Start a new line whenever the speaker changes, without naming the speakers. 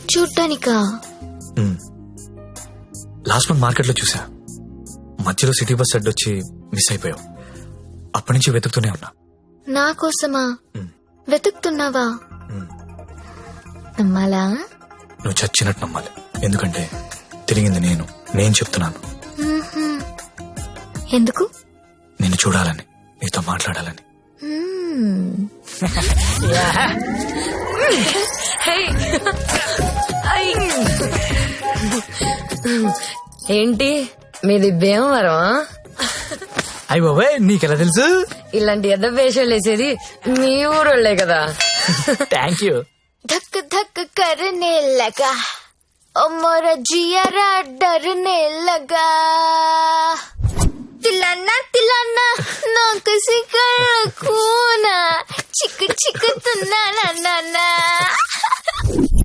చూడ్డానికా?
Last month market లో చూసా, మధ్యలో సిటీ బస్ అడ్డొచ్చి మిస్ అయిపోయావు. అప్పటి నుంచి వెతుకుతూనే ఉన్నా.
నా కోసమా వెతుకుతున్నావా? నమ్మాలా?
నువ్వు చచ్చినట్టు నమ్మాలి, ఎందుకంటే తిరిగింది నేను చెప్తున్నాను.
ఎందుకు?
నిన్ను చూడాలని, నీతో మాట్లాడాలని.
ఏంటి మీది భీమవరం?
అయ్య బాబాయ్, నీకెలా తెలుసు?
ఇలాంటి ఎద్ద వేషాలు వేసేది మీ ఊరోళ్లే కదా.
Thank you.
धक धक करने लगा ओ मोरा जियारा डरने लगा तिलाना तिलाना ना किसी कर खूना चिक चिक तुना ना ना ना